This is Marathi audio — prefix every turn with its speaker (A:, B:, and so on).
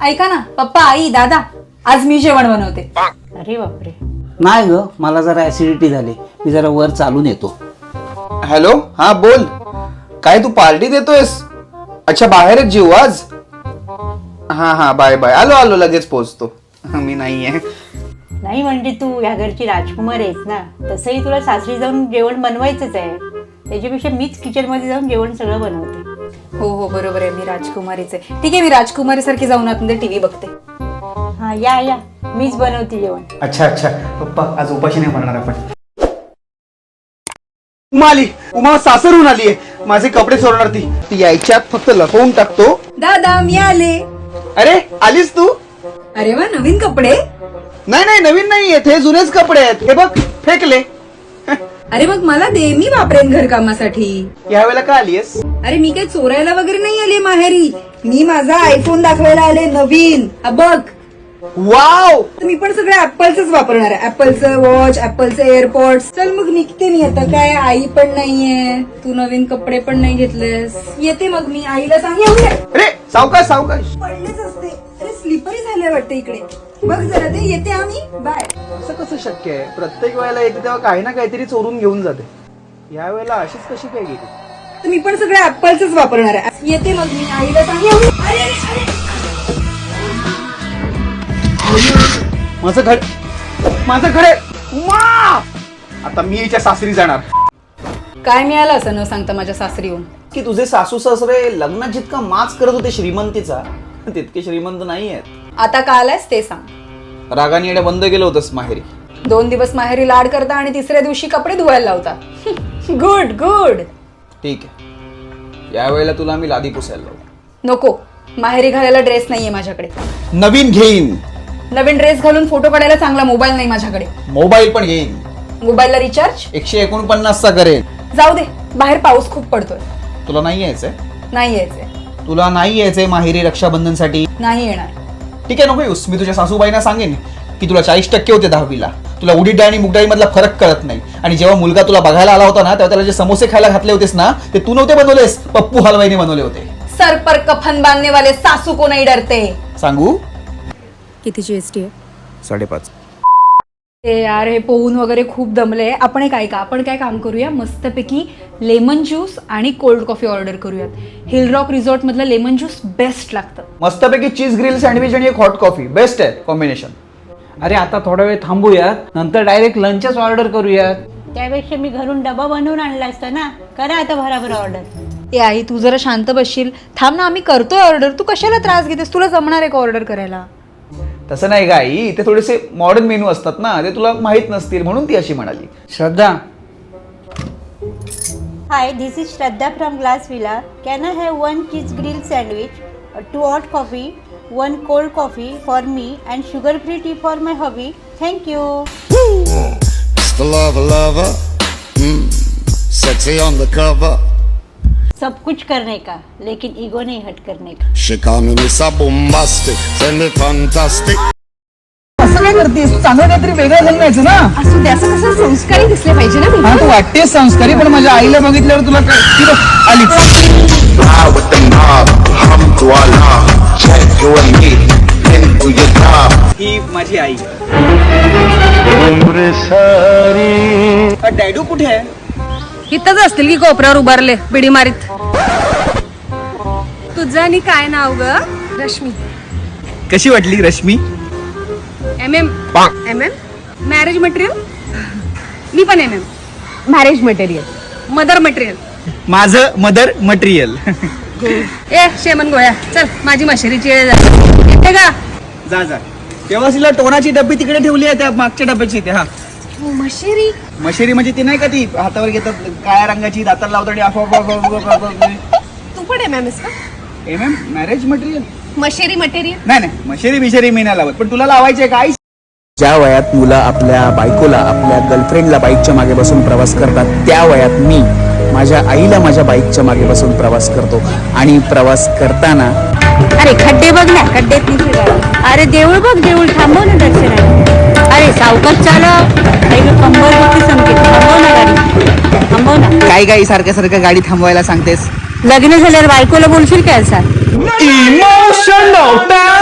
A: ऐका ना पप्पा आई दादा, आज मी जेवण बनवते.
B: अरे बापरे.
C: नाही ग, मला जरा ऍसिडिटी झाली, मी जरा वर चालून येतो.
D: हॅलो, हा बोल. काय तू पार्टी देतोयस? अच्छा, बाहेरच जेवू आज. हा हा, बाय बाय. आलो आलो, लगेच पोहोचतो. मी नाहीये.
B: नाही म्हणजे तू या घरची राजकुमार आहेस ना, तसंही तुला सासरी जाऊन जेवण बनवायचंच आहे. त्याच्यापेक्षा मीच किचन मध्ये जाऊन जेवण सगळं बनवते.
A: हो हो बरोबर आहे, मी राजकुमारीच आहे. ठीक आहे, मी राजकुमारी सारखी जाऊन आतमध्ये टीव्ही बघते.
B: हा या या, मीच बनवते जेवण.
D: अच्छा अच्छा, पप्पा आज उपाशी नाही म्हणणार आपण. उमा आली, उमा सासरहून आलीये. माझे कपडे चोरणार ती यायच्यात फक्त लपवून टाकतो.
A: दादा मी आले.
D: अरे आलीस तू?
A: अरे वा, नवीन कपडे.
D: नाही नाही, नवीन नाही आहेत, हे जुनेच कपडे आहेत. हे बघ, फेकले.
A: अरे मग मला दे, मी वापरेन घरकामासाठी.
D: यावेळेला का आलीयस?
A: अरे मी काही चोरायला वगैरे नाही आले माहेरी, मी माझा आयफोन दाखवायला आले नवीन. हा बघ.
D: वाव,
A: मी पण सगळं ऍपलच वापरणार आहे. ऍपलचं वॉच, ऍपलचे एअरपॉड्स. चल मग निघते मी आता. काय आई पण नाहीये, तू नवीन कपडे पण नाही घेतलेस. येते मग मी, आईला सांग.
D: अरे सावकाश सावकाश.
A: पडलेच असते. अरे स्लिपरी झाले वाटतं इकडे. बघ जरा ते. येते आम्ही, बाय.
D: असं कसं शक्य आहे? प्रत्येक वेळेला येते तेव्हा काही ना काहीतरी चोरून घेऊन जाते. या वेळेला अशीच कशी काय गेली?
A: तर मी पण सगळं ऍपलच वापरणार आहे. येते मग मी, आईला सांग. अरे, अरे.
D: माझं घर आहे. उमा! आता मी याच्या सासरी जाणार.
A: काय मिळालं असं न सांगता माझ्या सासरी येऊन?
D: की तुझे सासू सासरे लग्नात जितका माच करत होते श्रीमंतीचा, तितके श्रीमंत नाही आहेत.
A: आता का आलायस ते सांग.
D: रागाने येणं बंद केलं होतंस माहेरी.
A: 2 दिवस माहेरी लाड करता आणि तिसऱ्या दिवशी कपडे धुवायला लावता. Good good.
D: ठीक आहे, या वेळेला तुला मी लादी पुसायला लावू.
A: नको, माहेरी घालायला ड्रेस नाहीये माझ्याकडे.
D: नवीन घेईन.
A: नवीन ड्रेस घालून फोटो काढायला चांगला मोबाईल नाही माझ्याकडे.
D: मोबाईल पण घेईन.
A: मोबाईलला रिचार्ज
D: 149चा करेन.
A: जाऊ दे, बाहेर पाऊस खूप पडतोय.
D: तुला नाही यायचंय?
A: नाही यायचंय.
D: तुला नाही यायचंय माहेरी रक्षाबंधनसाठी?
A: नाही येणार.
D: ठीक आहे, नको येऊस. मी तुझ्या सासूबाईंना सांगेन की तुला 40% होते 10वीला. तुला उडीद डाळ आणि मूग डाळी मधला फरक कळत नाही. आणि जेव्हा मुलगा तुला बघायला आला होता ना, तेव्हा त्याला जे समोसे खायला घातले होतेस ना, ते तू नव्हते बनवलेस, पप्पू हलवाईने बनवले होते.
A: सर पर कफन बांधने वाले सासू को नहीं डरते.
D: सांगू?
A: किती जीएसटी आहे?
D: 5.5.
A: ते यार, हे पोहून वगैरे खूप दमले. आपण एक ऐका, आपण काय काम करूया, मस्तपैकी लेमन ज्यूस आणि कोल्ड कॉफी ऑर्डर करूयात. हिल रॉक रिसॉर्ट मधलं लेमन ज्यूस बेस्ट लागतं.
D: मस्तपैकी चीज ग्रिल सँडविच आणि एक हॉट कॉफी बेस्ट आहे कॉम्बिनेशन.
C: अरे आता थोडा वेळ थांबूयात, नंतर डायरेक्ट लंचच ऑर्डर करूयात.
B: त्यापेक्षा मी घरून डबा बनवून आणला असता ना. करा आता भराभर ऑर्डर.
A: ए आई, तू जरा शांत बसशील? थांब ना, आम्ही करतोय ऑर्डर. तू कशाला त्रास घेतेस? तुला जमणार आहे का ऑर्डर करायला?
D: तसं नाही गाई, इथे थोडेसे मॉडर्न मेनू असतात ना, ते तुला माहित नसतील म्हणून ती अशी म्हणाली.
C: Shraddha,
B: hi, this is Shraddha from Glass Villa. Can I have 1 cheese grill sandwich, 2 hot coffee, 1 cold coffee for me and sugar free tea for my hubby. Thank you.
E: The lover, sexy on the cover.
B: सब कुछ करने का, लेकिन ईगो नहीं हट करने का.
E: She call me Mr. Bombastic, send me fantastic.
D: असं काय करतेस? चांगलं काहीतरी वेगळं झालं ना.
A: असू दे, असं कसं संस्कारी दिसले पाहिजे ना.
D: हा, तू वाटतेस संस्कारी, पण माझ्या आईला बघितल्यावर तुला काय ती बघ, आलीच.
E: Ride with the mob, hum to Allah, check you and me, into your job.
D: ही माझी आई. डॅडू कुठे आहे?
A: इथंच असतील की कोपऱ्यावर उभारले बिडी मारीत. तुझं आणि काय नाव ग? रश्मी.
D: कशी वाटली रश्मी?
A: MM marriage material. मी पण MM marriage material. Mother material.
D: माझं मदर मटेरियल.
A: ए शेमन गोळ्या, चल माझी मशेरीची वेळ झाली. येते का?
D: जा जा. तेव्हा तिला टोनाची डब्बी तिकडे ठेवली आहे, त्या मागच्या डब्याची इथे. हा,
A: मशेरी.
D: मशेरी म्हणजे ती नाही का, ती हातावर घेतात काळ्या रंगाची, दाताला लावतात आणि
A: तू पण MM का?
D: MM marriage material.
A: मशेरी मटेरियल.
D: नाही नाही, मशेरी बिशेरी मी नाही लावत, पण तुला लावायचे काय? ज्या वयात मुलं आपल्या बायकोला, आपल्या गर्लफ्रेंडला बाईकच्या मागे बसून प्रवास करतात, त्या वयात मी माझ्या आईला माझ्या बाईकच्या मागे बसून प्रवास करतो. आणि प्रवास करताना
B: अरे खड्डे बघ ना, खड्ड्यात नाही फिरायला. अरे देऊळ बघ, देऊळ थांबव ना दर्शनाला. अरे सावकाश चालव, कंबर होती संकेत. थांबव ना गाडी, थांबव ना.
D: काय गाई सारख्या सारख्या गाडी थांबवायला सांगतेस?
B: लग्न झाल्यावर बायकोला बोलशील काय असा?
D: इमोशनल